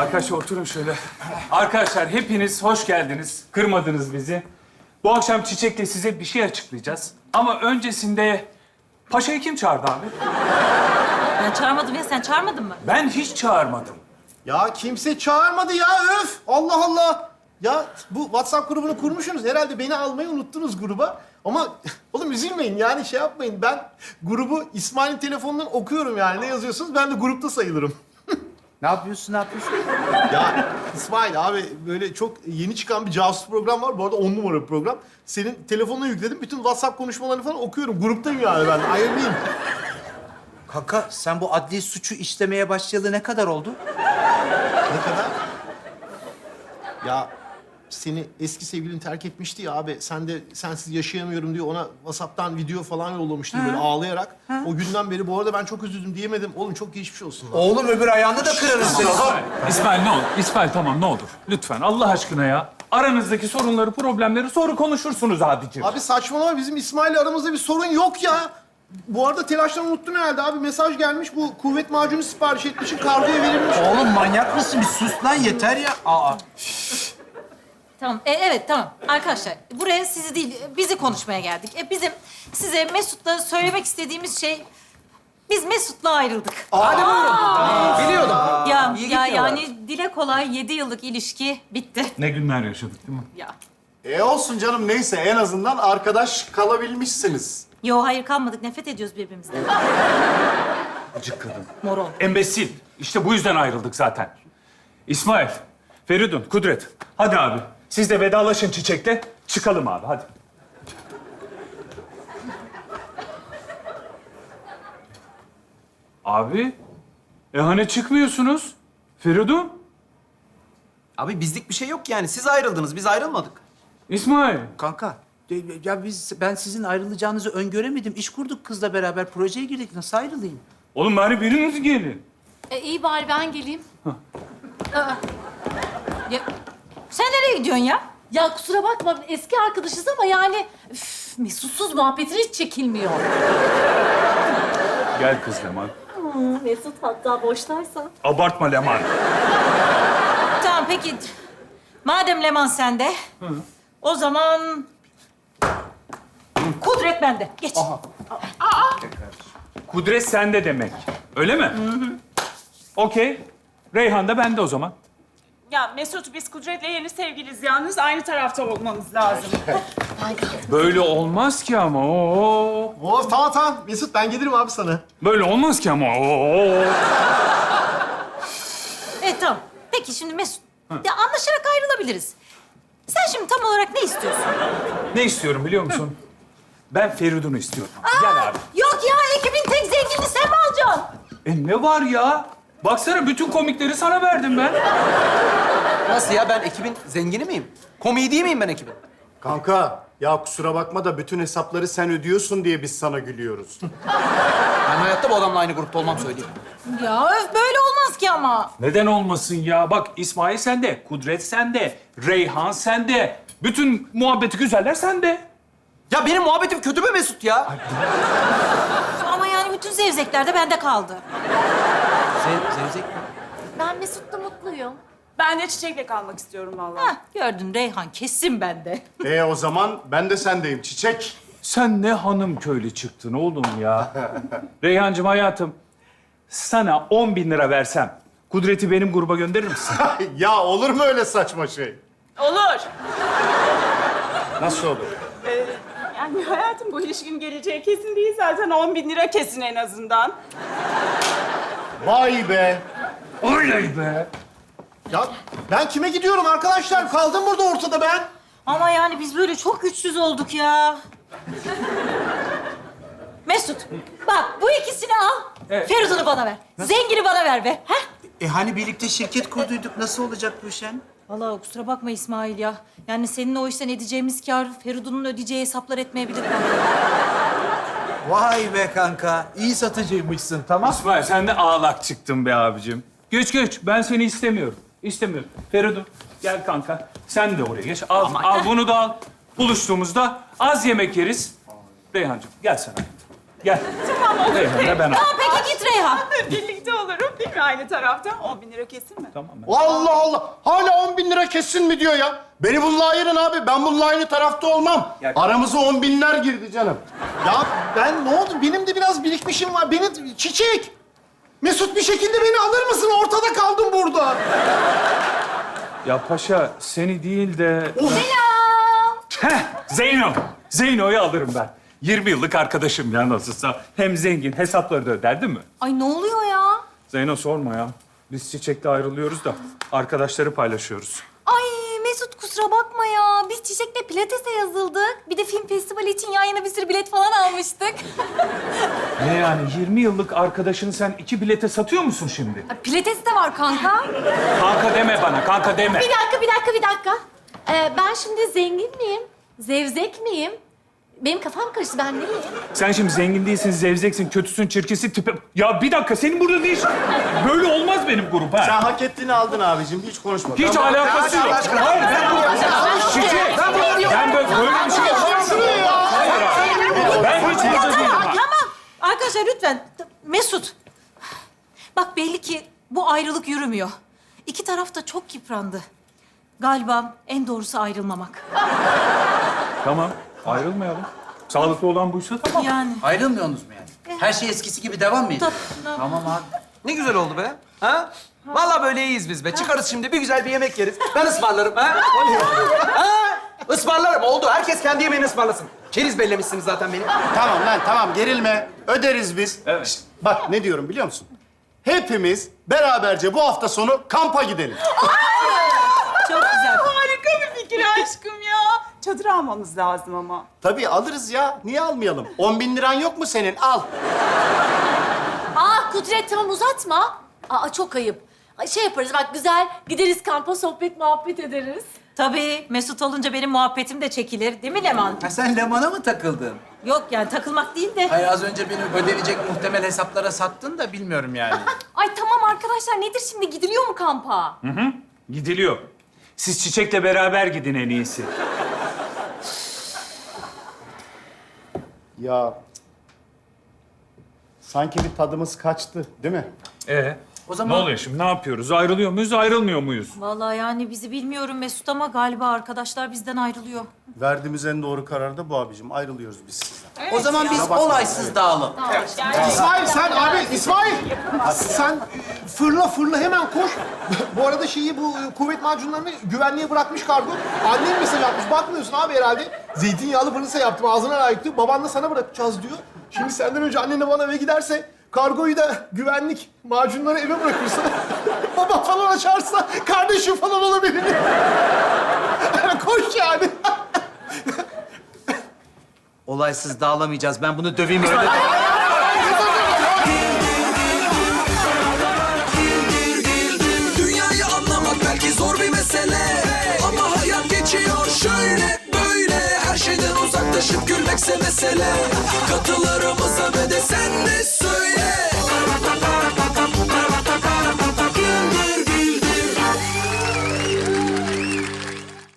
Arkadaşlar oturun şöyle. Arkadaşlar hepiniz hoş geldiniz. Kırmadınız bizi. Bu akşam Çiçek'le size bir şey açıklayacağız. Ama öncesinde Paşa'yı kim çağırdı abi? Ben çağırmadım ya, sen çağırmadın mı? Ben hiç çağırmadım. Ya kimse çağırmadı ya, öf! Allah Allah! Ya bu WhatsApp grubunu kurmuşsunuz. Herhalde beni almayı unuttunuz gruba. Ama oğlum üzülmeyin yani şey yapmayın. Ben grubu İsmail'in telefonundan okuyorum yani. Ne yazıyorsunuz? Ben de grupta sayılırım. Ne yapıyorsun? Ya İsmail abi böyle çok yeni çıkan bir casus program var. Bu arada 10 numara bir program. Senin telefonuna yükledim. Bütün WhatsApp konuşmalarını falan okuyorum. Gruptayım yani ben. Ayırmayayım. Kanka sen bu adli suçu işlemeye başlayalı ne kadar oldu? Ne kadar? Ya seni eski sevgilin terk etmişti ya abi. Sen de sensiz yaşayamıyorum diye ona WhatsApp'tan video falan yollamıştın böyle ağlayarak. O günden beri bu arada ben çok üzüldüm diyemedim. Oğlum çok geçmiş olsun. Lan. Oğlum öbür ayağını da kırarız seni. İsmail ne olur? İsmail tamam ne olur. Lütfen Allah aşkına ya. Aranızdaki sorunları, problemleri sonra konuşursunuz abicim. Abi saçmalama, bizim İsmail'le aramızda bir sorun yok ya. Bu arada telaştan unuttun herhalde abi. Mesaj gelmiş, bu kuvvet macunu sipariş etmişsin, kargoya verilmiş. Oğlum manyak mısın? Bir sus lan yeter ya. Aa. Tamam, evet tamam. Arkadaşlar, buraya sizi değil, bizi konuşmaya geldik. Bizim size Mesut'la söylemek istediğimiz şey... Biz Mesut'la ayrıldık. Hadi buyurun. Biliyordum. Ya, İyi ya gidiyorlar. yani dile kolay 7 yıllık ilişki bitti. Ne günler yaşadık değil mi? Ya. Olsun canım, neyse en azından arkadaş kalabilmişsiniz. Yo hayır kalmadık, nefret ediyoruz birbirimizden. Gıcık kadın. Moron. Embesil. İşte bu yüzden ayrıldık zaten. İsmail, Feridun, Kudret. Hadi abi. Siz de vedalaşın Çiçek'le. Çıkalım abi hadi. Abi, hani çıkmıyorsunuz? Feridun, Abi bizlik bir şey yok yani. Siz ayrıldınız, biz ayrılmadık. İsmail. Kanka ya ben sizin ayrılacağınızı öngöremedim. İş kurduk kızla beraber. Projeye girdik. Nasıl ayrılayım? Oğlum bari biriniz gelin. İyi bari ben geleyim. Ya, sen nereye gidiyorsun ya? Ya kusura bakma eski arkadaşız ama yani Mesutsuz muhabbetin hiç çekilmiyor. Gel kız Leman. Mesut hatta boşlarsa. Abartma Leman. Tamam peki. Madem Leman sende, o zaman... Kudret bende. Geç. Kudret sende demek. Öyle mi? Okey. Reyhan da bende o zaman. Ya Mesut, biz Kudret'le yeni sevgiliyiz. Yalnız aynı tarafta olmamız lazım. Böyle olmaz ki ama. Oo. Oh, tamam tamam. Mesut ben gelirim abi sana. Böyle olmaz ki ama. Oo. Evet tamam. Peki şimdi Mesut, ya anlaşarak ayrılabiliriz. Sen şimdi tam olarak ne istiyorsun? Ne istiyorum biliyor musun? Ben Feridun'u istiyorum. Gel abi. Yok ya, ekibin tek zengini sen mi alacaksın? Ne var ya? Baksana bütün komikleri sana verdim ben. Nasıl ya? Ben ekibin zengini miyim? Komiği değil miyim ben ekibin? Kanka, ya kusura bakma da bütün hesapları sen ödüyorsun diye biz sana gülüyoruz. Ben hayatta bu adamla aynı grupta olmam söyleyeyim. Ya öf, böyle olmaz ki ama. Neden olmasın ya? Bak İsmail sende, Kudret sende, Reyhan sende. Bütün muhabbeti güzeller sende. Ya benim muhabbetim kötü mü Mesut ya? Ama yani bütün zevzekler de bende kaldı. Zevzek mi? Ben Mesut'la mutluyum. Ben de Çiçek'le kalmak istiyorum vallahi. Hah, gördün Reyhan, kesin bende. O zaman ben de sendeyim Çiçek. Sen ne hanım köylü çıktın oğlum ya. Reyhancığım hayatım, sana 10.000 lira versem Kudret'i benim gruba gönderir misin? Ya olur mu öyle saçma şey? Olur. Nasıl olur? Yani hayatım, bu ilişkinin geleceği kesin değil zaten. 10.000 lira kesin en azından. Vay be! Oley be! Ya ben kime gidiyorum arkadaşlar? Kaldım burada ortada ben. Ama yani biz böyle çok güçsüz olduk ya. Mesut, bak bu ikisini al. Evet. Feridun'u bana ver. Zengini bana ver be. Ha? Hani birlikte şirket kurduyduk. Nasıl olacak bu iş yani? Vallahi kusura bakma İsmail ya. Yani senin o işten edeceğimiz kâr Feridun'un ödeyeceği hesaplar etmeyebilir. Vay be kanka. İyi satıcıymışsın tamam. İsmail sen de ağlak çıktın be abicim. Geç geç, ben seni istemiyorum. İstemiyorum. Feridun, gel kanka. Sen de oraya geç. Al bunu da al. Buluştuğumuzda az yemek yeriz. Reyhancığım, gel sen. Gel. Reyhan da ben al. Tamam peki git Reyhan. Birlikte olurum değil mi aynı tarafta? 10 bin lira kesin mi? Tamam mı? Allah Allah! Hala 10 bin lira kessin mi diyor ya? Beni bununla ayırın abi. Ben bununla aynı tarafta olmam. Aramıza 10 binler girdi canım. Ya ben ne oldu? Benim de biraz birikmişim var. Beni Çiçek. Mesut bir şekilde beni alır mısın? Ortada kaldım burada. Ya paşa seni değil de... Selam. Heh, Zeyno. Zeyno'yu alırım ben. 20 yıllık arkadaşım ya nasılsa. Hem zengin, hesapları da öder değil mi? Ay ne oluyor ya? Zeyno sorma ya. Biz Çiçek'le ayrılıyoruz da arkadaşları paylaşıyoruz. Ay Mesut kusura bakma ya. Biz Çiçek'le Pilates'e yazıldık. Bir de film festivali için yan yana bir sürü bilet falan almıştık. Ne yani 20 yıllık arkadaşını sen 2 bilete satıyor musun şimdi? Pilates de var kanka. Kanka deme bana, kanka deme. Bir dakika. Ben şimdi zengin miyim? Zevzek miyim? Benim kafam karıştı. Ben neyim? Sen şimdi zengin değilsin, zevzeksin, kötüsün, çirkinsin, tipe... Ya bir dakika, senin burada ne iş? Böyle olmaz benim grup ha. Sen hak ettiğini aldın abicim. Hiç konuşma. Hiç alakası yok. Hayır, Çiçek, ben böyle bir şey yapamam. Hayır abi. Ben hiç burada değilim ha. Tamam. Arkadaşlar lütfen. Mesut. Bak belli ki bu ayrılık yürümüyor. İki taraf da çok yıprandı. Galiba en doğrusu ayrılmamak. Tamam, ayrılmayalım. Sağlıklı olan buysa tamam. Yani. Ayrılmıyorsunuz mu yani? Her şey eskisi gibi devam mı ediyor? Tamam abi. Ne güzel oldu be. Ha? Vallahi böyle iyiyiz biz be. Çıkarız şimdi bir güzel bir yemek yeriz. Ben ısmarlarım ha. Ha? Ismarlarım. Oldu. Herkes kendi yemeğini ısmarlasın. Keriz bellemişsiniz zaten beni. Tamam lan tamam gerilme. Öderiz biz. Evet. Şişt, bak ne diyorum biliyor musun? Hepimiz beraberce bu hafta sonu kampa gidelim. Çok güzel. Harika bir fikir aşkım ya. Çadır almamız lazım ama. Tabii alırız ya. Niye almayalım? 10 bin liran yok mu senin? Al. Kudret tamam uzatma. Çok ayıp. Şey yaparız bak güzel gideriz kampa sohbet muhabbet ederiz. Tabii Mesut olunca benim muhabbetim de çekilir. Değil mi Leman? Ha sen Leman'a mı takıldın? Yok yani takılmak değil de. Hayır az önce beni ödenecek muhtemel hesaplara sattın da bilmiyorum yani. Ay tamam arkadaşlar nedir şimdi gidiliyor mu kampa? Gidiliyor. Siz Çiçek'le beraber gidin en iyisi. Ya sanki bir tadımız kaçtı değil mi? O zaman- Ne oluyor şimdi? Ne yapıyoruz? Ayrılıyor muyuz, ayrılmıyor muyuz? Vallahi yani bizi bilmiyorum Mesut ama galiba arkadaşlar bizden ayrılıyor. Verdiğimiz en doğru karar da bu abicim. Ayrılıyoruz biz sizden. O zaman biz olaysız dağılalım. İsmail sen abi İsmail. Sen fırla hemen koş. Bu arada bu kuvvet macunlarını güvenliğe bırakmış kargo. Annen mesaj atmış. Bakmıyorsun abi herhalde. Zeytinyağlı pırasa yaptım. Ağzına layıktı. Baban da sana bırakacağız diyor. Şimdi senden önce annenle bana eve giderse kargoyu da güvenlik macunları eve bırakırsa baba falan açarsa kardeşim falan olabilir. Koş yani. Olaysız dağılamayacağız. Ben bunu döveyim öyle. Dünyayı anlamak belki zor bir mesele, ama hayat geçiyor şöyle böyle. Her şeyden uzaklaşıp gülmekse mesele. Katılarımıza ve de sen